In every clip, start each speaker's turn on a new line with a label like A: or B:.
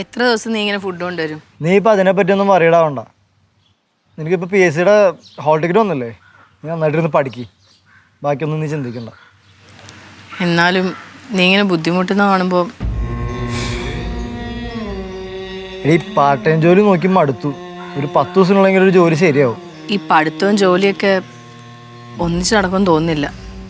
A: എത്ര ദിവസം നീ ഇങ്ങനെ ഫുഡ് കൊണ്ടുവരും?
B: നീ ഇപ്പം അതിനെപ്പറ്റിയൊന്നും പറയടാവണ്ട. നിനക്കിപ്പോൾ PSCയുടെ ഹോൾ ടിക്കറ്റ് വന്നല്ലേ? നീ നന്നായിട്ടിരുന്ന് പഠിക്ക്, ബാക്കിയൊന്നും നീ ചിന്തിക്കണ്ട.
A: എന്നാലും നീ ഇങ്ങനെ ബുദ്ധിമുട്ടുന്ന കാണുമ്പോൾ
B: ഈ പാർട്ട് ടൈം ജോലി നോക്കി മടുത്തു. ഒരു 10 ദിവസത്തിനുള്ളെങ്കിൽ ഒരു ജോലി ശരിയാവും.
A: ഈ പഠിത്തവും ജോലിയൊക്കെ ഒന്നിച്ച് നടക്കുമെന്ന് തോന്നുന്നില്ല.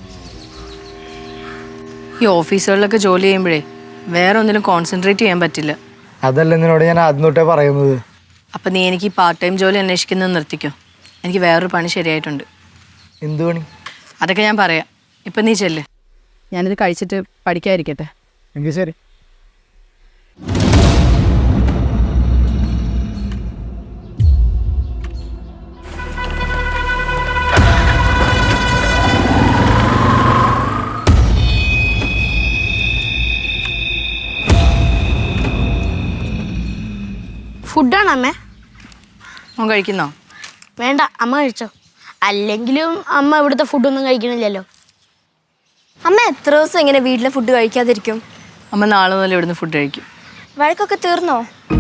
A: ഈ ഓഫീസുകളിലൊക്കെ ജോലി ചെയ്യുമ്പോഴേ വേറെ ഒന്നിലും കോൺസെൻട്രേറ്റ് ചെയ്യാൻ പറ്റില്ല.
B: അതല്ല നിന്നോട് ഞാൻ ആദ്യം തൊട്ടേ പറയുന്നത്.
A: അപ്പം നീ എനിക്ക് ഈ പാർട്ട് ടൈം ജോലി അന്വേഷിക്കുന്നത് നിർത്തിക്കോ. എനിക്ക് വേറൊരു പണി ശരിയായിട്ടുണ്ട്.
B: എന്ത് പണി?
A: അതൊക്കെ ഞാൻ പറയാം. ഇപ്പം നീ ചെല്ല്. ഞാനിത് കഴിച്ചിട്ട് പഠിക്കാതിരിക്കട്ടെ.
B: എങ്കിൽ ശരി.
C: ഫുഡാണ് അമ്മേ.
A: മോൻ കഴിക്കുന്നോ?
C: വേണ്ട, അമ്മ കഴിച്ചോ. അല്ലെങ്കിലും അമ്മ ഇവിടുത്തെ ഫുഡൊന്നും കഴിക്കണില്ലല്ലോ.
D: അമ്മ എത്ര ദിവസം ഇങ്ങനെ വീട്ടിലെ ഫുഡ് കഴിക്കാതിരിക്കും?
A: അമ്മ നാളെ മുതൽ ഇവിടുന്ന് ഫുഡ് കഴിക്കും.
D: വഴക്കൊക്കെ തീർന്നോ?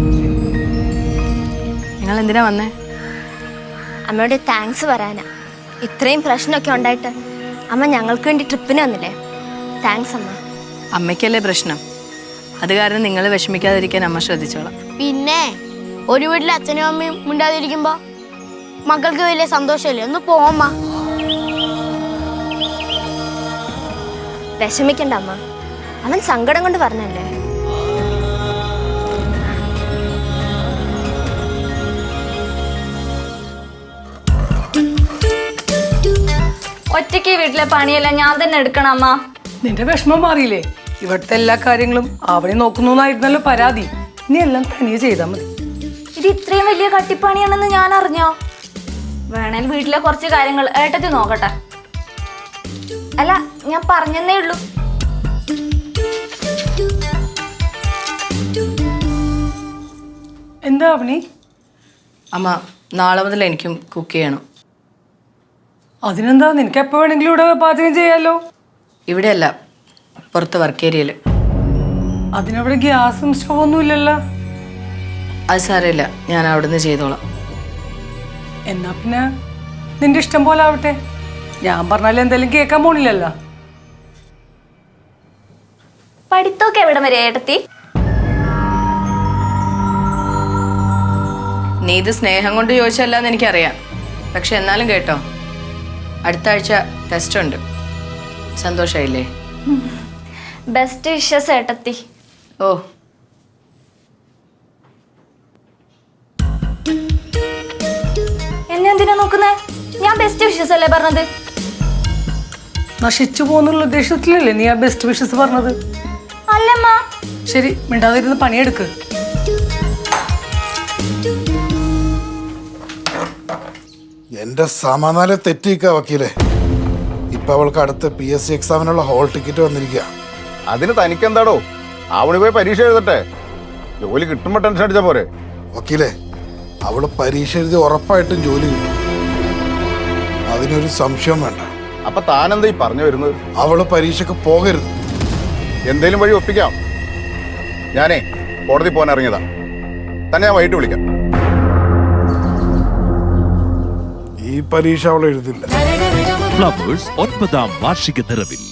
A: നിങ്ങൾ എന്തിനാ വന്നേ?
D: അമ്മയോട് താങ്ക്സ് പറയാനാ. ഇത്രയും പ്രശ്നമൊക്കെ ഉണ്ടായിട്ട് അമ്മ ഞങ്ങൾക്ക് വേണ്ടി ട്രിപ്പിന് വന്നില്ലേ? താങ്ക്സ് അമ്മ.
A: അമ്മയ്ക്കല്ലേ പ്രശ്നം, അത് കാരണം നിങ്ങൾ വിഷമിക്കാതിരിക്കാൻ അമ്മ ശ്രദ്ധിച്ചോളാം.
C: പിന്നെ ഒരു വീട്ടിൽ അച്ഛനും അമ്മയും മിണ്ടാതിരിക്കുമ്പോ മക്കൾക്ക് വലിയ സന്തോഷമല്ലേ. ഒന്ന് പോമ്മ.
D: വിഷമിക്കണ്ട അമ്മ, അവൻ സങ്കടം കൊണ്ട് പറഞ്ഞല്ലേ.
E: ഒറ്റയ്ക്ക് വീട്ടിലെ പണിയെല്ലാം ഞാൻ തന്നെ എടുക്കണം അമ്മ.
F: നിന്റെ വിഷമം മാറിയില്ലേ? ഇവിടുത്തെ എല്ലാ കാര്യങ്ങളും അവനെ നോക്കുന്നതായിരുന്നല്ലോ പരാതി. നീ എല്ലാം തനിയെ ചെയ്താൽ മതി.
E: ഇത് ഇത്രയും വലിയ കട്ടിപ്പണിയാണെന്ന് ഞാൻ അറിഞ്ഞോ? വേണേൽ വീട്ടിലെ കുറച്ച് കാര്യങ്ങൾ ഏട്ടത്തി നോക്കട്ടെ. അല്ല, ഞാൻ പറഞ്ഞെന്നേ ഉള്ളൂ.
F: എന്താ അവനി?
A: അമ്മ നാളെ മുതൽ എനിക്കും കുക്ക് ചെയ്യണം.
F: അതിനെന്താ, നിനക്ക് എപ്പോ വേണമെങ്കിലും ഇവിടെ പാചകം ചെയ്യാലോ.
A: ഇവിടെയല്ല, പുറത്ത് വർക്ക് ഏരിയയിൽ.
F: അതിനവിടെ ഗ്യാസും സ്റ്റൗവൊന്നും ഇല്ലല്ലോ.
A: അത് സാരമില്ല, ഞാൻ അവിടുന്ന് ചെയ്തോളാം.
F: എന്നാ പിന്നെ നിന്റെ ഇഷ്ടം പോലെ ആവട്ടെ. ഞാൻ പറഞ്ഞാലും എന്തായാലും കേൾക്കാൻ പോണില്ലല്ലോ.
E: പഠിത്തമൊക്കെ എവിടെ വരെ ഏട്ടത്തി?
A: നീ ഇത് സ്നേഹം കൊണ്ട് ചോദിച്ചല്ലെന്ന് എനിക്കറിയാം. പക്ഷെ എന്നാലും കേട്ടോ, അടുത്ത ആഴ്ച ടെസ്റ്റ് ഉണ്ട്. സന്തോഷമായില്ലേ?
E: ബെസ്റ്റ് വിഷസ് ഏട്ടത്തി.
A: ഓ,
E: എന്നെ എന്തിനാ നോക്കുന്നേ? ഞാൻ ബെസ്റ്റ് വിഷസ് അല്ലേ പറഞ്ഞത്?
F: നശിച്ചു പോകുന്നുള്ള ഉദ്ദേശത്തിലല്ലേ നീ ആ ബെസ്റ്റ് വിഷസ് പറഞ്ഞത്?
E: അല്ലമ്മ.
F: ശരി, മിണ്ടാതിരുന്ന് പണിയെടുക്ക്.
G: എന്റെ സമാധാനം തെറ്റിക്ക വക്കീലെ. ഇപ്പൊ അവൾക്ക് അടുത്ത PSC എക്സാമിനുള്ള ഹോൾ ടിക്കറ്റ് വന്നിരിക്കുക.
H: അതിന് തനിക്കെന്താടോ? അവള് പോയി പരീക്ഷ എഴുതട്ടെ. ജോലി കിട്ടുമ്പോ ടെൻഷൻ അടിച്ചാ പോരെ?
G: വക്കീലെ, അവള് പരീക്ഷ എഴുതി ഉറപ്പായിട്ടും ജോലി കിട്ടും, അതിനൊരു സംശയം വേണ്ട.
H: അപ്പൊ താനെന്താ ഈ പറഞ്ഞു വരുന്നത്?
G: അവള് പരീക്ഷക്ക് പോകരുത്.
H: എന്തേലും വഴി ഒപ്പിക്കാം. ഞാനേ കോടതി പോകാൻ ഇറങ്ങിയതാ. തന്നെ ഞാൻ വൈകിട്ട് വിളിക്കാം.
G: ഈ പരീക്ഷ അവൾ എഴുതില്ല.
I: ഫ്ലവേഴ്സ് 9ാം വാർഷിക നിറവിൽ